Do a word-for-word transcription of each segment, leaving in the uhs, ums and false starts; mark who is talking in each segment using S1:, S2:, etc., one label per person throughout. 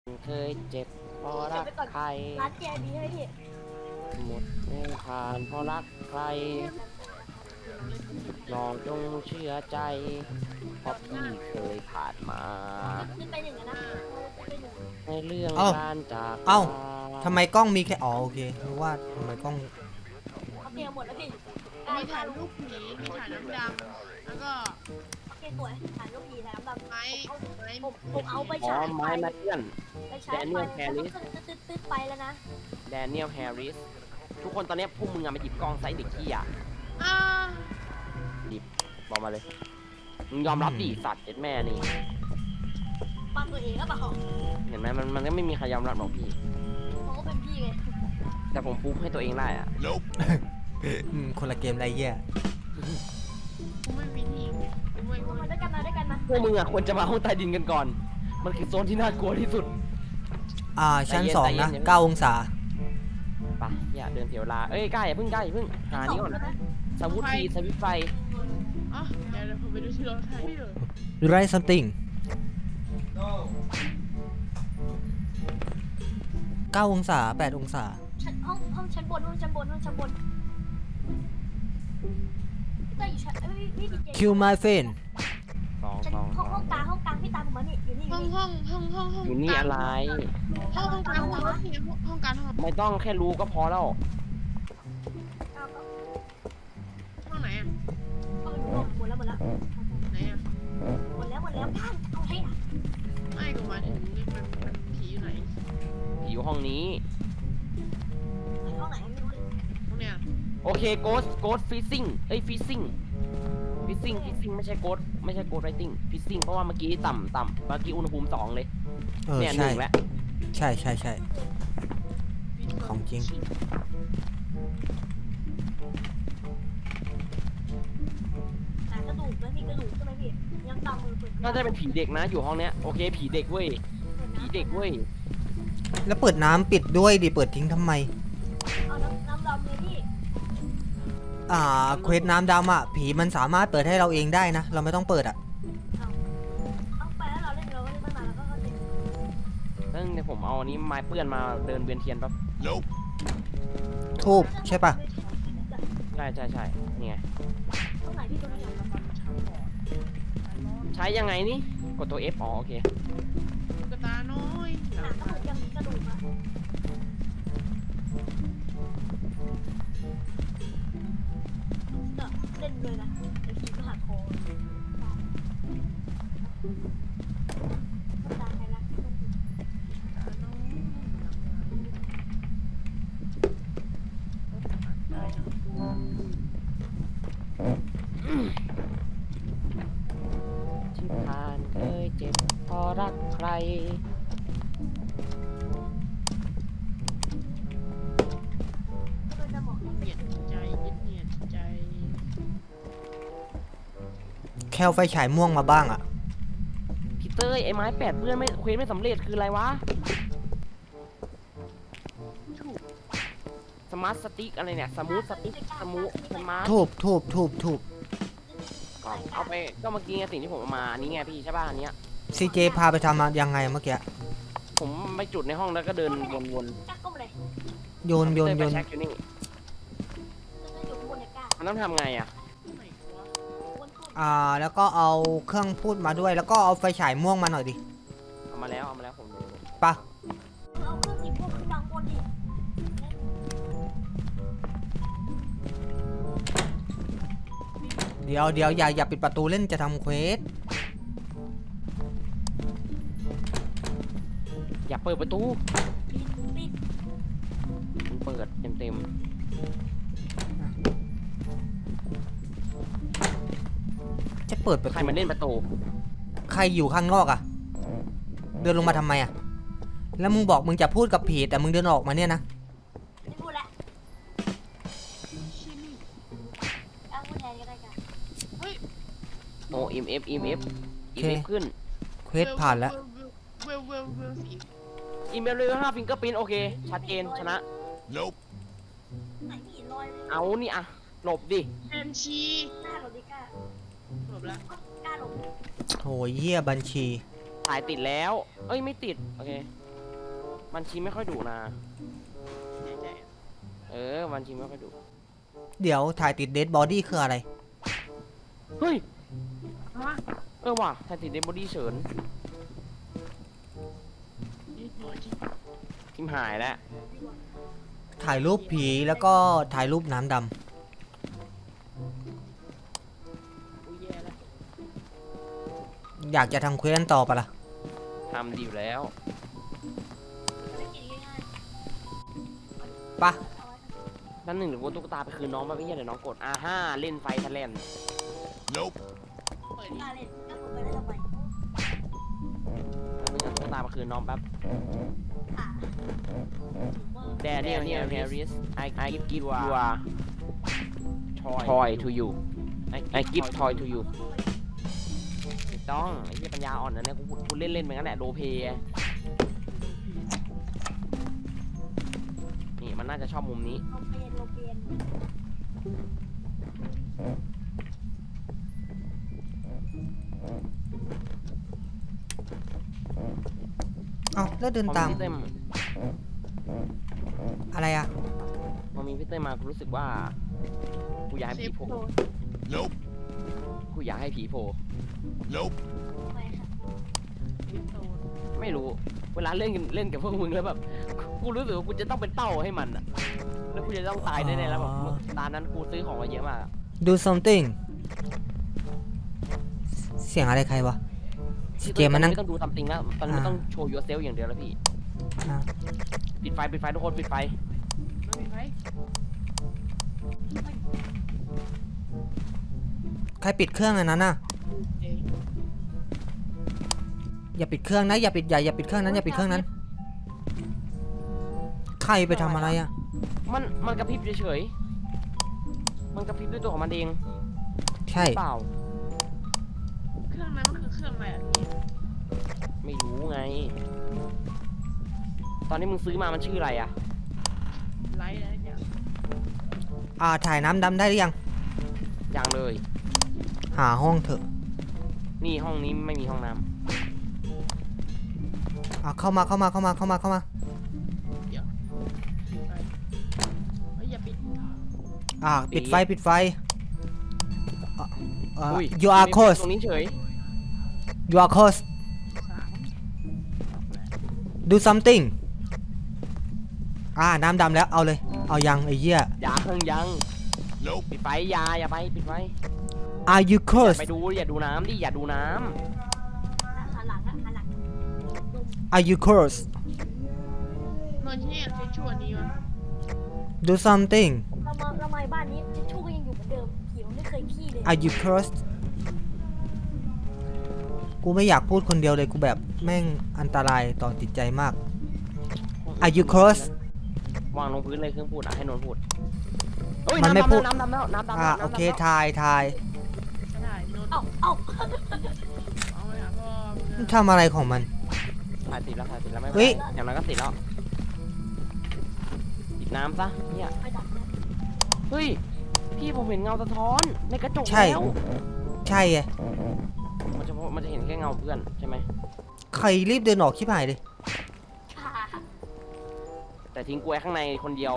S1: เคยเจ็บเพราะรักใคร
S2: ร้านเจดีให้พี่
S1: หมดไม่ผ่านเพราะรักใครลองจงเชื่อใจเพราะพี่เคยผ่านมา
S2: ขึ้นไปหนึ่งนะขึ้นไปหนึ่ง
S1: ในเรื่องการจาก
S3: เอ้าทำไมกล้องมีแค่อ๋อโอเครู้ว่าทำไมกล้อง
S2: โอเคหมดแล้วพี่
S4: มีถ่ายรูปผีมีถ่ายน้ำดำแล้วก็
S2: โอเคสวยถ่ายรูปผีถ่ายน้ำดำ
S4: ไม้ไม้
S2: ผมผมเอาไป
S1: อ๋อ
S2: ฉาย
S1: ไม้มาเพื่อน
S2: ไปฉายไปตึ๊ดตึ๊ดตึ๊ดไปแล้วนะ
S1: แดเนียลแฮร์ริสทุกคนตอนนี้พวกมึงอะมาหยิบกล้องไซส์เด็กขี้อ่ะ
S4: อ่า
S1: หยิบบอกมาเลยมึงยอมรับดิสัตว์เจ็ดแม่นี่
S2: ปั้นตัวเองก็เปล่า
S1: เห็นไหมมันมันก็ไม่มีใครยอมรับหรอกพี่
S2: เขาก็เป็นพี่ไง
S1: แต่ผมพูดให้ตัวเองได้อะ
S3: อืมคนละเกมไรเงี้ย
S4: กูไม่มีทีมกูไม่กู
S2: มา
S4: ไม่
S2: ด้วยกันมาด้วยกันมา
S1: พวกมึงอะควรจะมาห้องใต้ดินกันก่อนมันคือโซนที่น่ากลัวที่สุด
S3: อ่าชั้น
S1: ใจเย็น
S3: สอง
S1: ใจเย็น
S3: นะ
S1: อย่าเพิ่ง
S3: เก้าองศา
S1: ไปอย่าเดินเสียเวลาเอ้ยกล้าอย่าเพิ่งกล้าอย่าเพิ่งหานี่ก่อนสวุธทีสวิตไฟ
S4: อ่ะเดี๋ยวเดี๋ยวผมไปดูที่รถไทยเลย
S3: ไรซัมติงเก้าองศาแปดองศา
S2: ห้องห้องชั้นบนห้องชั้นบนห้องชั้นบนพี่ต้อยู่ชั้นเอ้ยพี่ดีเจ
S3: คิวไมเฟน
S1: สอง
S2: ชั้น
S1: สอง
S2: ห้องห้องกลางห้องกลางพี่ตามผมมานี่อยู่นี่อ
S4: ห้
S2: ยู่
S4: อง
S2: นี่
S4: ห้องห้องห้องห้อง
S1: อยู่นี่อะไร
S4: ห้องห้องกลางห้องห้องห้องกลางห้อง
S1: ไม่ต้องแค่รู้ก็พอแล้ว
S2: เอาเอา
S4: ห้องไหนอ่ะ
S2: เอาหมดแล้วหมดแล้ว
S4: ไหนอ่ะ
S2: หมดแล้วหมดแล้วท่านเอาให้อ่ะ
S4: ไม่กูมาถึงนี่มันมันผีอยู่ไหน
S1: ผีอยู่ห้องนี้
S2: ห้องไหนไม่รู้เลย
S4: ห้องเนี้ย
S1: โอเคโกสโกสฟิซซิ่งเอ้ยฟิซซิ่งฟิซซิ่งฟิซซิ่งไม่ใช่โกสไม่ใช่โกสไรติงฟิซซิ่งเพราะว่าเมื่อกี้ต่ำต่ำเมื่อกี้อุณหภูมิสองเลย
S3: เออ
S1: เนี่ยห
S3: ใช่
S1: นึ่งแล้ว
S3: ใช่ใช่ใช่ ของจริง
S2: หากระดูกแล้วมีกระดูกใช่ไหมพี่ยังตามมือปืน
S1: น่าจะเป็นผีเด็กนะอยู่ห้องเนี้ยโอเคผีเด็กเว้ยผีเด็กเว้ย
S3: แล้วเปิดน้ำปิดด้วยดิเปิดทิ้งทำไม
S2: เอาน้ำน้ำดำเลยพี่
S3: อ่าเควสน้ำดำอ่ะผีมันสามารถเปิดให้เราเองได้นะ เราไม่ต้องเปิดอ่ะ
S2: เอาเอาไปแล้วเราเล่นเราก็เล่นไม่มาแล้วก็เข้าใจ
S1: เรื่องเดี๋ยวผมเอาอันนี้ไม้เปื้อนมาเดินเวียนเทียนแป๊บ
S3: ทูบใช่ปะ
S1: ใช่ใช่ใช่นี่ไง
S2: ตรงไหนพี่ตรงไหน
S1: ใช้ยังไงนี่กดตัว F อ๋อโอเค
S4: กระตาน้อย
S2: หนักก็เหมือนยังมีกระดูกอะเล่นเลยนะไอ้ผีก็หักคอตายแล้ว
S1: ที่ผ่านเคยเจ็บเพอรักใคร
S2: ก็จะบอก
S4: เหนียดใจเหนียดใจ
S3: แค่เอาไฟฉายม่วงมาบ้างอ่ะ
S1: พี่เต้ยไอ้ไม้แปดเปื้อนไม่เควสไม่สำเร็จคืออะไรวะ
S4: ถูก
S1: สมาร์ทสติ๊กอะไรเนี่ยสมูทสติ๊กสมูทสมาร์ท
S3: ทูบทูบทูบทูบ
S1: เอาไปก็เมื่อกี้ไงสิ่งที่ผมเอามานี่ไงพี่ใช่ป่ะอันเนี้ย
S3: ซีเจพาไปทำมายังไงเมื่อกี้
S1: ผมไปจุดในห้องแล้วก็เดินวน
S2: ก้าก้มเลย
S1: ๆ
S3: โยนโยน
S1: เต้
S3: โยน
S1: ไปเช็คอยู่นี่
S2: จะอยู่บนเนี่ยก้า
S1: มันต้องทำไงอ่ะ
S4: ไหนวะ
S2: บนขึ้น
S3: อ่าแล้วก็เอาเครื่องพูดมาด้วย แล้วก็เอาไฟฉายม่วงมาหน่อยดิ
S1: เอามาแล้วเอามาแล้วผม
S3: ปะ
S2: เอาเครื่องสีพวกขึ้นบางบนดิ
S3: เดี๋ยวเดี๋ยวอย่าอย่าปิดประตูเล่นจะทำเควส
S1: อย่าเปิดประตู
S2: ปิดปิด
S1: มันเปิดเต็มเต็ม
S3: จะเปิดประ
S1: ๆใคร
S3: ตู
S1: มาเล่นประตู
S3: ใครอยู่ข้างนอกอ่ะ เดินลงมาทำไมอ่ะ แล้วมึงบอกมึงจะพูดกับผีแต่มึงเดินออกมาเนี่ยนะ
S2: ไม่พูดแล้ว
S4: ชิ้น
S2: เอาพูดแทนก็ได้กัน
S4: เฮ้ย
S1: โอ้ เอ็ม เอฟ เอ็ม เอฟ
S3: โอ
S1: เอ็
S3: เค
S1: ม เอฟ ขึ้น
S3: เควสผ่านแล้ว
S4: เวลเวลเวลสี
S1: อีเมลเลยห้าฟิงเกอร์พินโอเค ชัดเจนชนะ
S2: ไหนมีรอย
S1: เอานี่อะหลบดิ
S4: แอนชี
S2: หน้าหลบดิก้า
S4: จบแล้ว
S2: ก้าหลบ
S3: โหเยี่ยบัญชี
S1: ถ่ายติดแล้ว เอ้ยไม่ติด โอเคมันชีไม่ค่อยดุนะ
S4: ใจใจ
S1: เออมันชีไม่ค่อยดุ
S3: เดี๋ยวถ่ายติดเดดบอดี้คืออะไร
S1: เฮ้ย
S4: ฮะ
S1: เออว่ะถ่ายติดเดบอดี้เฉิน
S4: นี่หน่อยจริง
S1: ทิมหายแล้ว
S3: ถ่ายรูปผีแล้วก็ถ่ายรูปน้ำด
S1: อุ้ยแย่แล้ว
S3: ำอยากจะทำเควสต่อปะล่ะ
S1: ทำดีอยู่แล้ว
S2: ไม่กินง่าย
S3: ปะ
S2: ๆเอาไว้
S1: นั่นหนึ่งหรือว่าตุ๊กตาไปคืนน้องมาไม่ใช่เดี๋ยวน้องกดอ่าห้าเล่นไฟทะเลน
S4: เปิด
S2: กล้าเล่นก็คุณไปได้ทำไม
S1: มึงเอาตุ๊กตามาคืนน้องแป๊บ
S2: อ่ะถึงว่า
S1: Daniel Harris I I give give you a toy to you I I give toy to you ไม่ต้องไอ้เหี้ยปัญญาอ่อนนะเนี่ยกูพูดพูดเล่นๆไปงั้นแหละโรลเพลย์นี่มันน่าจะชอบมุมนี้
S2: โรเปียนโรเปียน
S3: เอ้าแล้วเดิน
S1: พอ
S3: ตาม
S1: มีพี่เต้ย
S3: อะไรอ่ะ
S1: พอมีพี่เต้ยมากูรู้สึกว่ากูอยากให้
S4: เซ
S1: ผี
S4: ฟ
S1: โผล่
S4: โดน
S5: Nope.
S1: กูอยากให้ผีโผล่
S5: Nope.
S2: ทำไมค่ะ
S4: เซฟโดน
S1: ไม่รู้ เวลาเล่นกันเล่นกับพวกมึงแล้วแบบกูรู้สึกว่ากูจะต้องเป็นเป้าให้มันอะแล้วกูจะต้องตายแน่ๆแล้วแบบ
S3: อ๋อ
S1: ตอนนั้นกูซื้อของมาเยอะมากอะ
S3: Do something เสียงอะไรใครวะสเกมมานั่ง
S1: ไม่ต้องดูตามจริงแล้วตอนนี้มัน
S3: อ่า
S1: ต้องโชว์ yourself อย่างเดียวแล้วพี่
S3: อ่ะ
S1: ปิดไฟปิดไฟทุกคนปิดไฟ
S4: ไม่มีไหม
S3: ใครปิดเครื่องอันนั้นน่ะ
S4: เจ๊ง
S3: อย่าปิดเครื่องนะอย่าปิดอย่าอย่าปิดเครื่องนั้นอย่าปิดเครื่องนั้น ใครไปทำอะไรอ่ะ
S1: มันมันกระพริบเฉยๆมันกระพริบด้วยตัวของมันเอง
S3: ใช่
S1: เปล่า
S4: เครื่องนั้นมันคือเครื่องอะไรอ่ะพี่
S1: ไม่รู้ไง ตอนนี้มึงซื้อมามันชื่ออะไรอะ
S4: ไลท์อะไรอย่าง
S3: อ่าถ่ายน้ำดำได้หรือยัง
S1: ยังเลย
S3: หาห้องเถอะ
S1: นี่ห้องนี้ไม่มีห้องน้ำ
S3: อ่าเข้ามาเข้ามาเข้ามาเข้ามาเข้ามา
S4: ปิดไฟเฮ้ยอย่าปิด
S3: อ่าปิดไฟปิดไฟอ่ะอ่า
S1: อุ้ย
S3: you are
S1: มี
S3: close
S1: ตรงนี้เฉย
S3: you are close
S4: สาม
S3: do something อ่าน้ำดำแล้วเอาเลย เอายังไอ้เหี้ย
S1: ยังยัง
S5: Nope.
S1: ปิดไฟอยาอย่าไปปิดไฟ
S3: are you
S1: อย่า
S3: close
S1: ไปดูอย่าดูน้ำดิอย่าดูน้
S2: หันหลังอะหันหลัง
S3: are you close
S4: นอนที่นี่ใช้ชั่วนี้วะ
S3: do something
S2: เรามาเรามาบ้านนี้ทิชชู่ก็ยังอยู่เหมือนเดิมผีมันไม่เคยขี้เลย
S3: are you close กูไม่อยากพูดคนเดียวเลยกูแบบแม่งอันตรายต่อจิตใจมาก
S1: ำ
S3: are you close
S1: วางลงพื้นเลยเครื่องพูดอ่ะให้นนท์พูดเอ้ย
S3: มันไม่
S1: น้ำ
S3: พูด
S1: ดำแล้วน้ำดำแล้วน้ำดำ
S3: อ่า
S1: แล้ว
S3: โอเค
S1: น้ำดำแล้ว
S3: ถ่ายถ่าย
S4: ไม่ได้นอน
S2: เอ้าเอ้า
S4: เอาไปหาพ่อมึง
S3: มัน
S4: อะ
S3: ทำอะไรของมัน
S1: ถ่ายติดแล้วถ่ายติดแล้วไม่เป็น
S3: เฮ้ย
S1: ไรอย่างนั้นก็ติดแล้วปิดน้ำซะเนี่ย
S2: ไปดับเลย
S1: เฮ้ยพี่ผมเห็นเงาสะท้อนในกระจก
S3: ใช่
S1: แล้ว
S3: ใช่ไง
S1: มันจะมันจะเห็นแค่เงาเพื่อนใช่ไหม
S3: ใครรีบเดินออกชิบหายเลย
S2: ค่ะ
S1: แต่ทิ้งกล้วยข้างในคนเดียว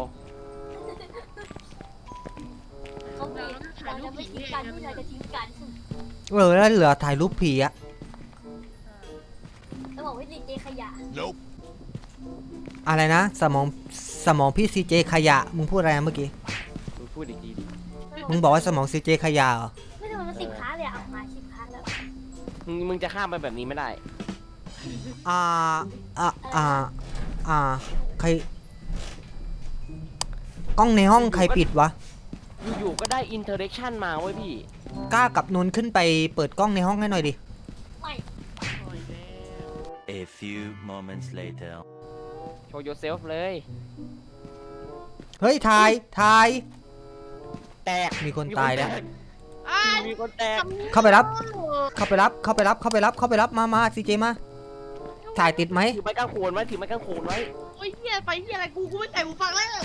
S2: เขาเบรกเราจะไม่ทิ้งกันที่เราจะทิ้งกัน
S3: เออแล้วเหลือถ่ายรูปผีอะ
S2: แล้วบอกว่าดีเจขยะ
S5: Nope.
S3: อะไรนะ สมองสมองพี่ซีเจขยะ มึงพูดอะไรนะเมื่อกี้
S1: มึงพูดอีกทีดิ
S3: มึงบอกว่าสมองซีเจขยะเหรอ
S2: ไม่ทำไมมันสิบค้าเลยอะเอามาสิบค้าแล้ว
S1: มึงมึงจะข้ามไปแบบนี้ไม่ได้
S3: อ่า อ่า อ่า อ่า ใคร กล้องในห้องใครปิดวะ
S1: อยู่ๆก็ได้อินเทอร์เรคชั่นมาเว้ยพี่
S3: กล้ากับนนท์ขึ้นไปเปิดกล้องในห้องให้หน่อยดิ
S2: ไม่
S4: ปล่อยแล้ว
S6: A few moments later.
S1: โชว์ yourself เลย
S3: เฮ้ย ถ่าย ถ่าย
S1: แตก
S3: มีคนตายแล้ว
S4: อ้าย
S1: มีคนแตก
S3: เข้าไปรับ เข้าไปรับ เข้าไปรับ เข้าไปรับ เข้าไปรับ มามาซีเจมา ถ่ายติดไหม
S1: ถือไม้กางโขนไว้ถือไม้กางโขนไว้
S4: โอ้ยเฮียไปเฮียอะไรกูกูไม่ใส่หูฟังแล้ว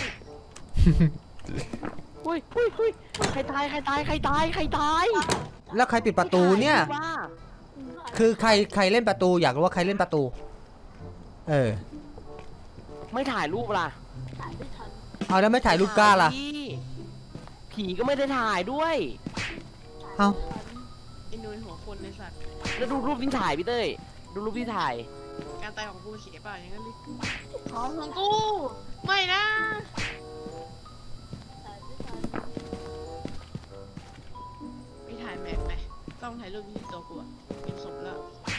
S1: อุ้ยอุ้ยอุ้ยใครตายใครตายใครตายใครตาย
S3: แล้วใครปิดประตูเนี่ย
S1: ว่า
S3: คือใครใครเล่นประตูอยากรู้ว่าใครเล่นประตู เออ
S1: ไม่ถ่ายรูปล่ะ
S2: ถ่ายไม่ทัน
S3: เอาแล้วไม่ถ่ายรูปกล้าล่ะ
S1: ถ่ยดิผีก็ไม่ได้ถ่ายด้วย
S3: เอ้า
S4: ไอ้นุ้ยหัวคนในสัตว์
S1: แล้วดูรูปที่ถ่ายพี่เต้ยดูรูปที่ถ่าย
S4: การตายของกูเสียเปล่าอย่างนั้นดิของของกู ไม่นะ
S2: ถ่ายไม่ทัน
S4: ไม่ถ่ายแมปไหมต้องถ่ายรูปที่ตัวกูอะเป็นศพแล้ว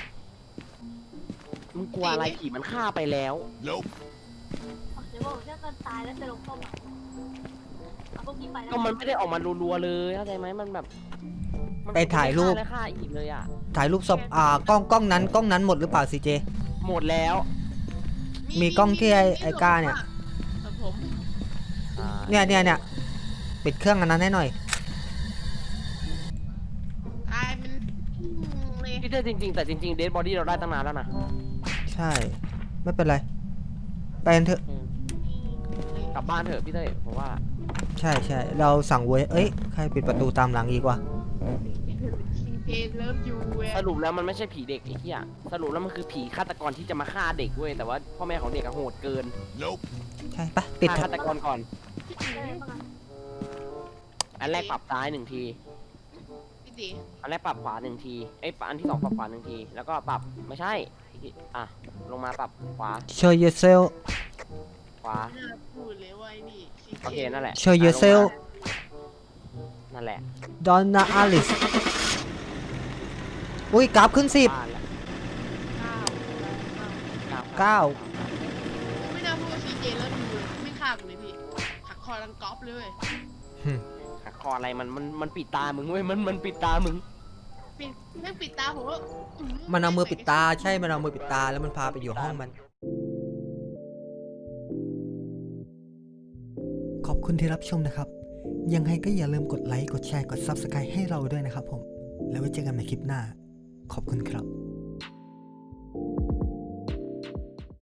S1: มึงกลัวอะไรผีมันฆ่าไปแล้ว
S5: Nope.
S2: อ๋อเดี๋ยวบอกถ้ามันตายแล้วจะลงเข้ามาเอาพวกนี้ไปแล้ว
S1: ก็มันไม่ได้ออกมารัวๆเลยเข้าใจไหมมันแบบมัน
S3: ไปถ่ายรูป
S1: ฆ่แล้วฆ่าอีกเลยอ่ะ
S3: ถ่ายรูปศพอ่ากล้องกล้องนั้นกล้องนั้นหมดหรือเปล่าซีเจ
S1: หมดแล้ว
S3: มีกล้องที่ไอ้ไอ้ก้าเนี่ย
S4: ครับผม
S1: อ่า
S3: เนี่ยเนี่ยเนี่ยปิดเครื่องอันนั้นให้หน่อย
S4: ตายมันอืมเลย
S1: พี่เต้ยจริงๆแต่จริงๆเดดบอดี้เราได้ตั้งนานแล้วนะ
S3: ใช่ ไม่เป็นไร ไปกันเถอะ
S1: อืมกลับบ้านเถอะพี่เต้ยผมว่า
S3: ใช่ใช่เราสั่งเว้ยเอ้ยใครปิดประตูตามหลังอีกวะ
S4: ซีเพนเลิฟยูเว้ย
S1: สรุปแล้วมันไม่ใช่ผีเด็กไอ้เหี้ยสรุปแล้วมันคือผีฆาตกรที่จะมาฆ่าเด็กเว้ยแต่ว่าพ่อแม่ของเด็กอะโหดเกิน
S5: Nope.
S3: ใช่ปะปิด
S1: ฆ่า
S3: เถอะ
S1: ฆาตกรก่อน
S2: ได้บ้างอะ
S1: อันแรกปรับซ้ายหนึ่งที
S4: พี่ตี
S1: อันแรกปรับขวาหนึ่งทีไอ้ยอันที่สองปรับขวาหนึ่งที แล้วก็ปรับไม่ใช่อ่ะลงมาปรับขวา
S3: show yourself
S1: ขวา
S4: ไม่น่าพูดเลยว่าไอ้นี่
S1: โอเคนั่นแหละ
S3: show yourself
S1: นั่นแหละ
S3: Donna Alice อุ้ยกราฟขึ้นสิบ
S1: บ้านแหละ
S4: เก้า
S3: เก้า
S4: ไม่น่าพูดว่าซีเจเลิฟยูเลยไม่ฆ่ากูเลยพี่หักคอรังก๊อปเลยเว้ย
S1: หักคออะไรมันมันมันปิดตามึงเว้ยมันมันปิดตามึง
S4: ปิดแม่งปิดตาผมว่าอื้
S3: มันเอามือปิดตาใช่มันเอามือปิดตาแล้วมันพาไปอยู่ห้องมัน ขอบคุณที่รับชมนะครับ ยังไงก็อย่าลืมกดไลค์ กดแชร์ กด ซับสไครบ์ ให้เราด้วยนะครับผม แล้วไว้เจอกันใหม่คลิปหน้า ขอบคุณครับ